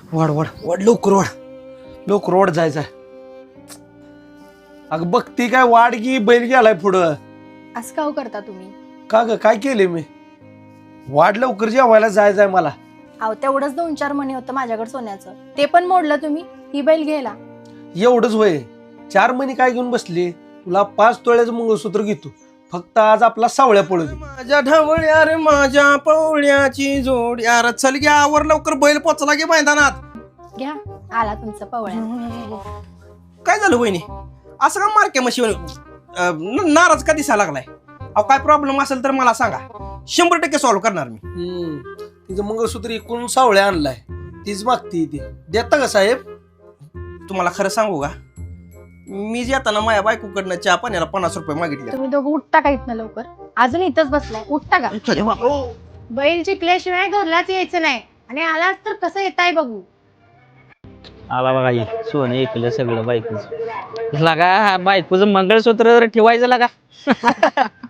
वाढ वाढ वाढ लवकर वाढ जायचा. अगं बघती काय वाढ की बैल गेलाय पुढं. असं का करता तुम्ही? का ग काय केले मी? वाढ लवकर जेवायला जायचंय मला. अहो तेवढंच 2-4 मणी होतं माझ्याकडे सोन्याचं, ते पण मोडलं तुम्ही ही बैल घ्यायला. एवढंच होय? 4 महिने काय घेऊन बसली? तुला 5 तोळ्याचं मंगळसूत्र घेतो, फक्त आज आपला सावळ्या पळू दे. माझ्या ढवळ्या रे माझ्या पवळ्याची जोड यार, चल घ्या आवर लवकर, बैल पोचला गे मैदानात. घ्या, आला तुमचं पवळ्या. काय झालं वहिनी, असं का मारक्या म्हशी नाराज का दिसायला लागलाय? अहो काय प्रॉब्लेम असेल तर मला सांगा, 100% सॉल्व्ह करणार मी. तिचं मंगळसूत्र इकडून सावळ्या आणलाय, तीच मागती ती. देता का साहेब? तुम्हाला खरं सांगू का, मी येताना माझ्या बायकोकडनं चहा पाण्याला 50 रुपये मागितले. तुम्ही दोघं उठता का इथनं लवकर? अजून इथंच बसलाय, उठता का? बैल जिंकल्याशिवाय घरलाच यायचं नाही, आणि आलाच तर कसं येताय बघू. आला बघा ये सोनं ऐकलं सगळं बायकोच. लगा बायकोचं मंगळसूत्र ठेवायचं लगा.